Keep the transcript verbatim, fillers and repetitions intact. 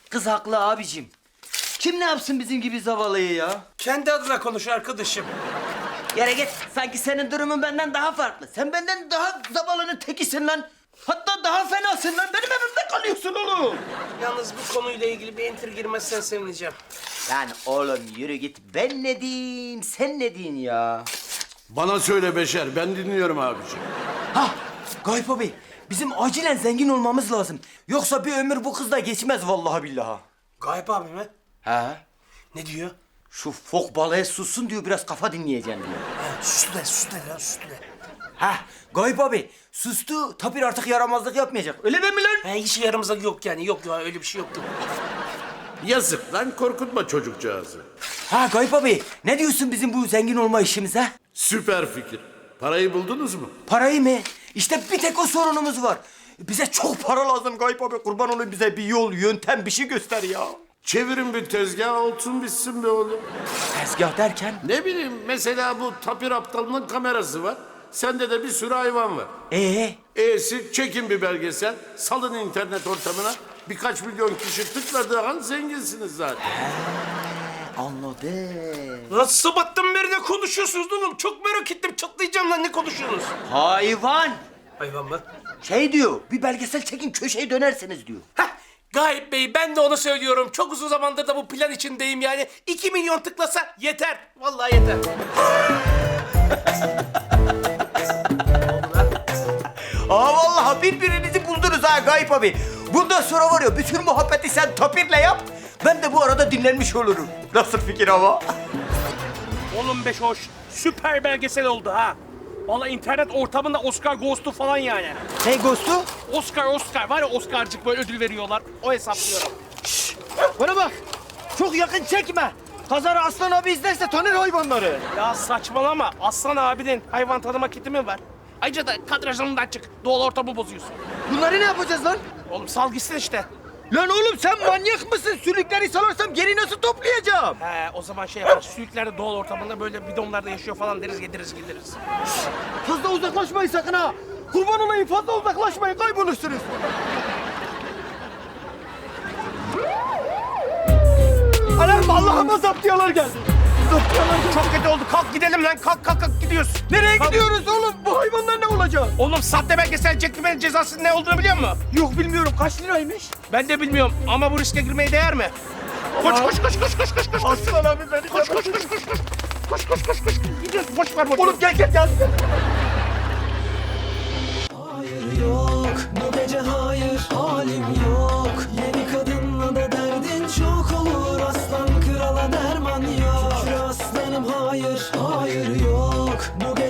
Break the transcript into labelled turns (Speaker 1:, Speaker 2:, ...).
Speaker 1: Kız haklı abicim. Kim ne yapsın bizim gibi zavallıyı ya?
Speaker 2: Kendi adına konuş arkadaşım.
Speaker 1: Yere git. Sanki senin durumun benden daha farklı. Sen benden daha zavallının tekisin lan. Hatta daha fenasın lan. Benim evimde kalıyorsun oğlum.
Speaker 2: Yalnız bu konuyla ilgili bir enter girmezsen sevineceğim.
Speaker 1: Lan oğlum yürü git. Ben ne diyeyim, sen ne diyorsun ya?
Speaker 3: Bana söyle Beşer, ben dinliyorum abiciğim.
Speaker 1: Ha, Gayip abi. Bizim acilen zengin olmamız lazım. Yoksa bir ömür bu kızla geçmez vallahi billahi.
Speaker 2: Gayip abi mi?
Speaker 1: He?
Speaker 2: Ne diyor?
Speaker 1: Şu fok balığı sussun diyor, biraz kafa dinleyeceğim diyor.
Speaker 2: Ha, sustu de, sustu de lan, sustu de.
Speaker 1: Ha, Gayip abi sustu. Tapir artık yaramazlık yapmayacak. Öyle değil mi lan?
Speaker 2: Ha, hiç yaramızda yok yani, yok ya öyle bir şey yoktu.
Speaker 3: Yazık lan, korkutma çocukcağızı.
Speaker 1: Ha Gayip abi, ne diyorsun bizim bu zengin olma işimize?
Speaker 3: Süper fikir. Parayı buldunuz mu?
Speaker 1: Parayı mı? İşte bir tek o sorunumuz var. Bize çok para lazım Gayip abi. Kurban olayım, bize bir yol, yöntem, bir şey göster ya.
Speaker 3: Çevirin bir tezgah, olsun bitsin be oğlum.
Speaker 1: Tezgah derken?
Speaker 3: Ne bileyim, mesela bu tapir aptalının kamerası var. Sende de bir sürü hayvan var.
Speaker 1: Ee?
Speaker 3: E'si çekin bir belgesel, salın internet ortamına. Birkaç milyon kişi tıkladığı an zenginsiniz zaten.
Speaker 1: Anladım.
Speaker 2: Lan sabahtan beri ne konuşuyorsunuz oğlum? Çok merak ettim, çatlayacağım lan, ne konuşuyorsunuz?
Speaker 1: Hayvan!
Speaker 2: Hayvan mı?
Speaker 1: Şey diyor, bir belgesel çekin köşeyi dönersiniz diyor.
Speaker 2: Heh, Gayip Bey, ben de onu söylüyorum. Çok uzun zamandır da bu plan içindeyim yani. İki milyon tıklasa yeter. Vallahi yeter.
Speaker 1: Aa vallahi birbirinizi buldunuz ha Gayip abi. Bundan sonra var ya, bütün muhabbeti sen Tapir'le yap. Ben de bu arada dinlenmiş olurum. Nasıl fikir ama?
Speaker 4: Oğlum beş hoş. Süper belgesel oldu ha. Vallahi internet ortamında Oscar Ghost'u falan yani.
Speaker 1: Ne Ghost'u?
Speaker 4: Oscar Oscar var ya, Oscar'cık böyle ödül veriyorlar. O hesaplıyorum.
Speaker 1: Bana bak. Çok yakın çekme. Kazara Aslan abi izlerse tanır hayvanları.
Speaker 4: Ya saçmalama. Aslan abinin hayvan tanıma kiti mi var? Ayrıca da kadrajından çık. Doğal ortamı bozuyorsun.
Speaker 1: Bunları ne yapacağız lan?
Speaker 4: Oğlum sal gitsin işte.
Speaker 1: Lan oğlum sen manyak mısın? Sülükleri salarsam geri nasıl toplayacağım?
Speaker 4: He, o zaman şey yaparız. Sülükler de doğal ortamında böyle bidonlarda yaşıyor falan deriz, yediririz gideriz.
Speaker 1: Fazla uzaklaşmayın sakın ha. Kurban olayım, fazla uzaklaşmayın, kaybolursunuz. Anam Allah'ıma zaptiyalar geldi. Zaptiyalar geldi.
Speaker 4: Çok kötü oldu. Kalk gidelim lan. Kalk kalk kalk gidiyoruz.
Speaker 1: Nereye
Speaker 4: Kalk.
Speaker 1: gidiyoruz oğlum? Bu hayvanlar ne olacak?
Speaker 4: Oğlum sahte belgesel çekmenin cezasının ne olduğunu biliyor musun?
Speaker 1: Yok bilmiyorum, kaç liraymış?
Speaker 4: Ben de bilmiyorum ama bu riske girmeye değer mi? Koş koş koş koş koş koş koş.
Speaker 1: Aslan abi beni
Speaker 4: Koş koş koş koş koş. Koş koş koş koş. Gidiyoruz, boş ver boş ver.
Speaker 1: Oğlum gel gel gel.
Speaker 5: Hayır yok bu gece, hayır halim yok. Yeni kadınla da derdin çok olur, aslan krala derman yok. Şükür aslanım, hayır hayır yok bu gece.